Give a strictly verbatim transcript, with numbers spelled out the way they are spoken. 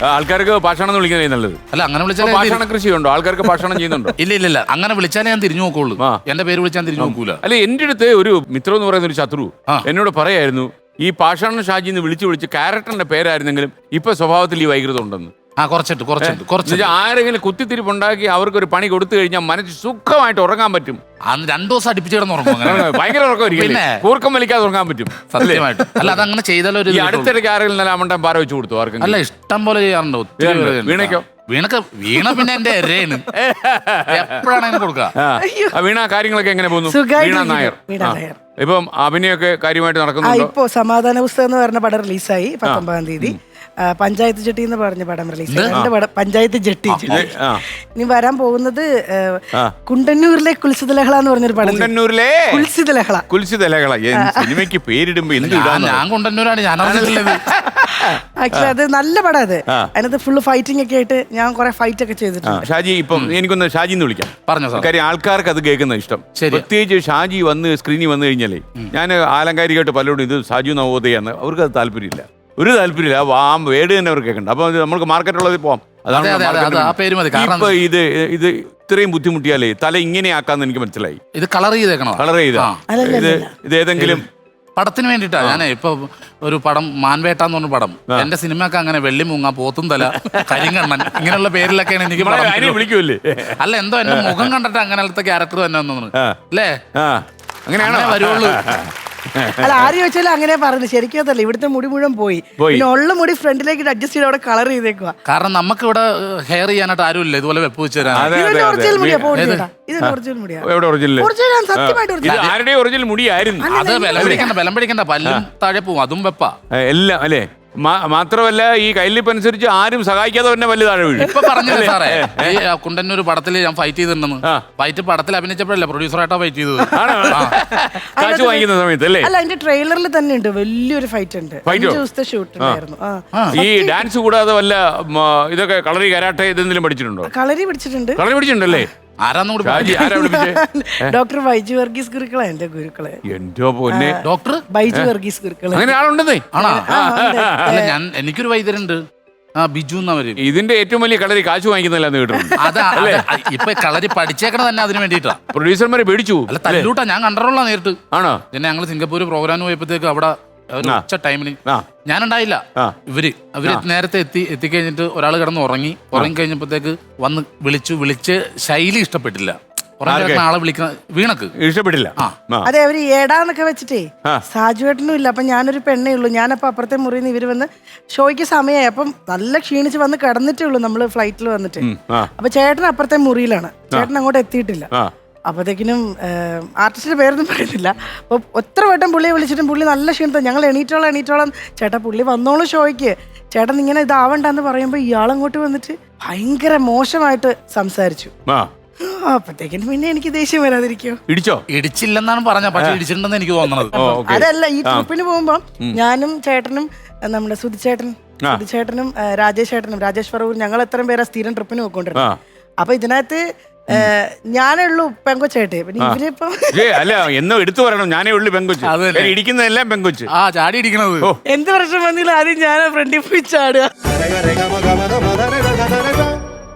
ആൾക്കാർക്ക് പാഷാണം എന്ന് വിളിക്കുന്നതേ നല്ലത്. അല്ല അങ്ങനെ വിളിച്ചാൽ പാഷാണ കൃഷിയുണ്ടോ? ആൾക്കാർക്ക് പാഷാണം ചെയ്യുന്നുണ്ടോ? ഇല്ല ഇല്ല ഇല്ല അങ്ങനെ വിളിച്ചാലേ ഞാൻ തിരിഞ്ഞു നോക്കുള്ളൂ. എന്റെ പേര് വിളിച്ചാൽ തിരിഞ്ഞു നോക്കൂല. അല്ല, എന്റെ അടുത്ത് ഒരു മിത്രം എന്ന് പറയുന്ന ഒരു ശത്രു എന്നോട് പറയായിരുന്നു, ഈ പാഷാണ ഷാജി എന്ന് വിളിച്ചു വിളിച്ച് ക്യാരക്ടറിന്റെ പേരായിരുന്നെങ്കിലും ഇപ്പൊ സ്വഭാവത്തിൽ ഈ വൈകൃതം ഉണ്ടെന്ന്. ആ കുറച്ചിട്ട് കുറച്ചിട്ട് കുറച്ച് ആരെങ്കിലും കുത്തിത്തിരിപ്പുണ്ടാക്കി അവർക്ക് ഒരു പണി കൊടുത്തു കഴിഞ്ഞാൽ മനസ്സ് സുഖമായിട്ട് ഉറങ്ങാൻ പറ്റും. അന്ന് രണ്ടു ദിവസം അടുപ്പിച്ച് കിടന്ന് ഉറങ്ങും. ഭയങ്കര ഉറക്കമായിരിക്കും, കൂർക്കം വലിക്കാതെ ഉറങ്ങാൻ പറ്റും. സത്യമായിട്ട്. അല്ല അതങ്ങനെ ചെയ്താലോ. അടുത്തിടയ്ക്ക് ആരെങ്കിലും നല്ല അമ്മണ്ടാൻ പാര വെച്ച് കൊടുത്തു ആർക്കും? അല്ല ഇഷ്ടം പോലെ ചെയ്യാറുണ്ട്. ഒത്തിരി. വീണയ്ക്കോ? വീണക്ക് വീണ പിന്നെ എന്റെ എരേന് എപ്പോഴാണെങ്കിലും കൊടുക്കുക. വീണ കാര്യങ്ങളൊക്കെ എങ്ങനെ പോകുന്നു? വീണ നായർ ഇപ്പം അഭിനയൊക്കെ കാര്യമായിട്ട് നടക്കുന്നു. ഇപ്പോ സമാധാന പുസ്തകം എന്ന് പറഞ്ഞ പടം റിലീസായി പത്തൊമ്പതാം തീയതി. പഞ്ചായത്ത് ജെട്ടി എന്ന് പറഞ്ഞ പടം റിലീസ് രണ്ട് പടം പഞ്ചായത്ത് ജെട്ടി. ഇനി വരാൻ പോകുന്നത് കുണ്ടന്നൂരിലെ കുൽസിത ലഹള എന്ന് പറഞ്ഞൊരു പടം. കുണ്ടന്നൂരിലെ കുൽസിത ലഹള. കുൽസിത ലഹള സിനിമയ്ക്ക് പേരിടുമ്പോ ഞാൻ കുണ്ടന്നൂരാണ്. ഞാൻ ആക്ച്വലി അത് നല്ല പടം. അത് അതിനകത്ത് ഫുള്ള് ഫൈറ്റിംഗ് ഒക്കെ ആയിട്ട് ഞാൻ കുറെ ഫൈറ്റ് ഒക്കെ ചെയ്തിട്ടുണ്ട്. ഷാജി ഇപ്പം എനിക്കൊന്ന് ഷാജി എന്ന് വിളിക്കാം. പറഞ്ഞോ. കാര്യം ആൾക്കാർക്ക് അത് കേൾക്കുന്ന ഇഷ്ടം. പ്രത്യേകിച്ച് ഷാജി വന്ന് സ്ക്രീനിൽ വന്നു കഴിഞ്ഞാലേ, ഞാൻ ആലങ്കാരികമായിട്ട് പലരോടും ഇത് സാജു നവോദയാന്ന്, അവർക്ക് അത് താല്പര്യമില്ല, ഒരു താല്പര്യമില്ല. ആ വേർഡ് തന്നെ അവർക്ക് കേൾക്കണ്ട. അപ്പൊ നമുക്ക് മാർക്കറ്റുള്ളത് പോവാം. അതാണ് ഇപ്പൊ ഇത് ഇത് ഇത്രയും ബുദ്ധിമുട്ടിയാലേ തല ഇങ്ങനെ ആക്കാന്ന് എനിക്ക് മനസ്സിലായി. ഇത് കളർ ചെയ്തേക്കണോ? കളർ ചെയ്താ ഇത് ഇത് ഏതെങ്കിലും പടത്തിന് വേണ്ടിട്ടാ. ഞാൻ ഇപ്പൊ ഒരു പടം മാൻവേട്ട എന്ന് പറഞ്ഞ പടം, എന്റെ സിനിമയൊക്കെ അങ്ങനെ വെള്ളിമുങ്ങ, പോത്തും തല, കരിങ്കണ്ണൻ ഇങ്ങനെയുള്ള പേരിലൊക്കെയാണ് എനിക്ക് വിളിക്കൂല്ലേ. അല്ല എന്തോ എന്റെ മുഖം കണ്ടിട്ട് അങ്ങനത്തെ ക്യാരക്ടർ തന്നെ തോന്നുന്നു അല്ലേ? അങ്ങനെയാണോ വരുള്ളൂ. അല്ല ആര് ചോദിച്ചാലും അങ്ങനെ പറഞ്ഞു. ശരിക്കും അതല്ല, ഇവിടുത്തെ മുടി മുഴുവൻ പോയി. പിന്നെ ഉള്ള മുടി ഫ്രണ്ടിലേക്ക് അഡ്ജസ്റ്റ് ചെയ്ത് അവിടെ കളർ ചെയ്തേക്കുക. കാരണം നമുക്ക് ഇവിടെ ഹെയർ ചെയ്യാനായിട്ട് ആരും ഇല്ല ഇതുപോലെ വെപ്പ് വെച്ച് തരാൻ. ഒറിജിനൽ മുടിയാ പോയിട്ടാ. ഇത് ഒറിജിനൽ മുടിയാ. ആരുടെ ഒറിജിനൽ മുടിയായിരുന്നു അത്. ബലം പിടിക്കണ്ട ബലം പിടിക്കണ്ട പല്ലും താഴെ പോവും. അതും വെപ്പാ എല്ലാം അല്ലേ. മാത്രമല്ല ഈ കയ്യിലിപ്പ് അനുസരിച്ച് ആരും സഹായിക്കാതെ തന്നെ വലിയ താഴെ വീഴും. ഇപ്പൊ പറഞ്ഞില്ലേ സാറേ, ഈ കുണ്ടന്നൂർ പടത്തിൽ ഞാൻ ഫൈറ്റ് ചെയ്തിട്ടുണ്ടെന്ന്. ഫൈറ്റ് പടത്തിൽ അഭിനയിച്ചപ്പോഴല്ലേ പ്രൊഡ്യൂസറായിട്ടാ ഫൈറ്റ് ചെയ്തത്. കാശ് വാങ്ങിക്കുന്ന സമയത്ത് അല്ലേ? അല്ല അതിന്റെ ട്രെയിലറിൽ തന്നെ ഉണ്ട് വലിയൊരു ഫൈറ്റ് ഉണ്ട്. ദിവസത്തെ ഷൂട്ട് ഉണ്ടായിരുന്നു. ഈ ഡാൻസ് കൂടാതെ വല്ല ഇതൊക്കെ കളരി കരാട്ടെ ഇതെന്തെങ്കിലും പഠിച്ചിട്ടുണ്ടോ? കളരി പഠിച്ചിട്ടുണ്ട്. കളരി പഠിച്ചിട്ടുണ്ടല്ലേ? ഡോക്ടർ ബൈജു വർഗീസ് ഗുരുക്കളാ എന്റെ ഗുരുക്കളെ. എന്തോ പൊന്നെ, ഡോക്ടർ ബൈജു വർഗീസ് ഗുരുക്കളെ. അങ്ങനെ ആളുണ്ടെന്നേ. ആണോ? ഞാൻ എനിക്കൊരു വൈദ്യരുണ്ട്, ബിജു എന്നവര്. ഇതിന്റെ ഏറ്റവും വലിയ കളരി കാശ് വാങ്ങിക്കുന്നില്ലെന്ന് കേട്ടിട്ടുണ്ട്. അതാ ഇപ്പൊ കളരി പഠിച്ചേക്കണ തന്നെ അതിന് വേണ്ടിട്ടാ. പ്രൊഡ്യൂസർമാരെ പേടിച്ചു. അല്ല തല്ലൂട്ടാ, ഞാൻ കണ്ടറോളാ നേരിട്ട്. ആണോ? പിന്നെ ഞങ്ങള് സിംഗപ്പൂർ പ്രോഗ്രാമിന് പോയപ്പോഴത്തേക്ക് അവിടെ ഉച്ച ടൈമിന് ഞാനുണ്ടായില്ല. ഇവര് അവര് നേരത്തെ എത്തി എത്തിക്കഴിഞ്ഞിട്ട് ഒരാൾ കിടന്ന് ഉറങ്ങി. ഉറങ്ങി കഴിഞ്ഞപ്പോഴത്തേക്ക് വന്ന് വിളിച്ചു. വിളിച്ച് ശൈലി ഇഷ്ടപ്പെട്ടില്ല. ആളെ വിളിക്കുന്ന വീണക്ക് ഇഷ്ടപ്പെട്ടില്ല. അതെ, അവര് ഏടാന്നൊക്കെ വെച്ചിട്ടേ സാജുവേട്ടനും ഇല്ല. അപ്പൊ ഞാനൊരു പെണ്ണേ ഉള്ളൂ. ഞാനപ്പോ അപ്പുറത്തെ മുറിയിൽ നിന്ന് ഇവര് വന്ന് ഷോയ്ക്ക് സമയമായി. അപ്പം നല്ല ക്ഷീണിച്ച് വന്ന് കിടന്നിട്ടേ ഉള്ളൂ നമ്മള് ഫ്ലൈറ്റിൽ വന്നിട്ട്. അപ്പൊ ചേട്ടൻ അപ്പുറത്തെ മുറിയിലാണ്. ചേട്ടൻ അങ്ങോട്ട് എത്തിയിട്ടില്ല. അപ്പോഴത്തേക്കിനും ആർട്ടിസ്റ്റിന്റെ പേരൊന്നും പറയുന്നില്ല. അപ്പൊ ഒത്ര വട്ടം പുള്ളിയെ വിളിച്ചിട്ടും പുള്ളി നല്ല ക്ഷീണത്തെ. ഞങ്ങൾ എണീറ്റോളാം എണീറ്റോളാം ചേട്ടാ പുള്ളി വന്നോളൂ ഷോയ്ക്ക്, ചേട്ടൻ ഇങ്ങനെ ഇതാവണ്ടെന്ന് പറയുമ്പോ ഇയാളങ്ങോട്ട് വന്നിട്ട് ഭയങ്കര മോശമായിട്ട് സംസാരിച്ചു. അപ്പത്തേക്കിനും പിന്നെ എനിക്ക് ദേഷ്യം വരാതിരിക്കോ? ഇടിച്ചോ? ഇടിച്ചില്ലെന്നാണ് പറഞ്ഞ, പക്ഷെ ഇടിച്ചിട്ടുണ്ടെന്ന് എനിക്ക് തോന്നുന്നത്. അതല്ല, ഈ ട്രിപ്പിന് പോകുമ്പോ ഞാനും ചേട്ടനും നമ്മുടെ സുധിച്ചേട്ടൻ സുധിച്ചേട്ടനും രാജേഷ് ചേട്ടനും രാജേഷ് ഫറൂർ ഞങ്ങൾ എത്രയും പേരാ സ്ഥിരം ട്രിപ്പിന് പോയിക്കൊണ്ടിരുന്നത്. അപ്പൊ ഇതിനകത്ത് ഞാനേ ഉള്ളൂ പെങ്കൊച്ചായിട്ട്. പിന്നെ ഇവരിപ്പോ അല്ല എന്നോ എടുത്തു പറയണം, ഞാനേ ഉള്ളു പെങ്കൊച്ച്. ഇടിക്കുന്നതെല്ലാം പെങ്കൊച്ച്. ആ ചാടി ഇടിക്കണത്. എന്ത് പ്രശ്നം വന്നില്ല ആദ്യം ഞാൻ ഫ്രണ്ടിൽ പോയി ചാടുക.